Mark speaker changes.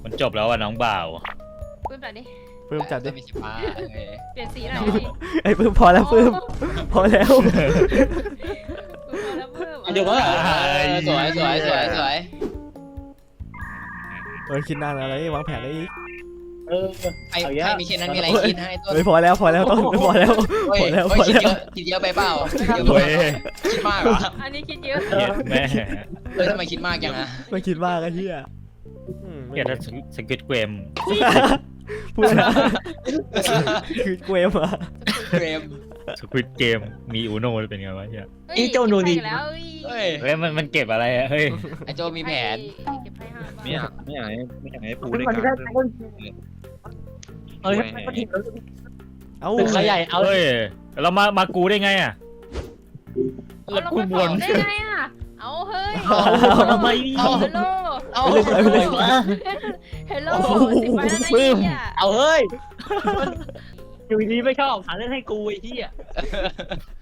Speaker 1: มันจบแล้วอ่ะน้องบ่าว
Speaker 2: ปื้มจัดดิ
Speaker 3: ปื้มจัดดิ
Speaker 4: มีสีฟ้าโอเค
Speaker 2: เปลี่ยนสีหน่อยดิ
Speaker 3: ไอ้ปื้มพอแล้วปื้มพอแล้ว
Speaker 2: ปื้มแล้วปื้ม
Speaker 5: เดี๋ยวก็
Speaker 4: สวยสวยสวยสวย
Speaker 3: คิดนานอะไรวางแผนอะไรอีก
Speaker 4: ใครมีเช่นนั้นมีอะไรคิดให้ต้น
Speaker 3: เฮ้ยพอแล้วต้นพอแล้ว
Speaker 4: เฮ้ย
Speaker 3: พอแล้ว
Speaker 4: คิดเยอะไปเปล่าคิดมากเหรอ
Speaker 2: อันนี้คิดเยอะ
Speaker 1: เกลียดแม่
Speaker 4: ทำไมคิดมากจังอะ
Speaker 3: ไม่คิดมากไอ้เหี้ย
Speaker 1: เกลียดสกิทเกม
Speaker 3: พูดนะคือเกมอะ
Speaker 4: เกม
Speaker 1: สกิทเกมมีอูโน่เป็นไงวะเฮีย
Speaker 5: อีเจ้าหนูนี่
Speaker 2: แล้ว
Speaker 4: เฮ้ย
Speaker 1: เฮ้ยมันเก็บอะไรอ่ะเฮ้ย
Speaker 4: ไอโจมีแผน
Speaker 2: เก็บไปห้า
Speaker 6: ไม่อยากให้ปูได้
Speaker 5: มัน
Speaker 6: การ
Speaker 5: ได้ต้นเอ้ยก็ทิ้งแล้ว
Speaker 3: เอ้า
Speaker 5: ตึกขยายเอา
Speaker 1: เฮ้ยเรามากูได้ไงอ่ะ
Speaker 2: เอาลงมาสองได้ไงอ่ะเอาเฮ้ย
Speaker 5: ทำไม
Speaker 2: ฮัลโหล
Speaker 4: เอา
Speaker 2: ฮัลโหลสิบใบแล้วนะเนี่ย
Speaker 5: เอาเฮ้ยอยู่ดีไม่ชอบหาเล่นให้กูไอ้ที่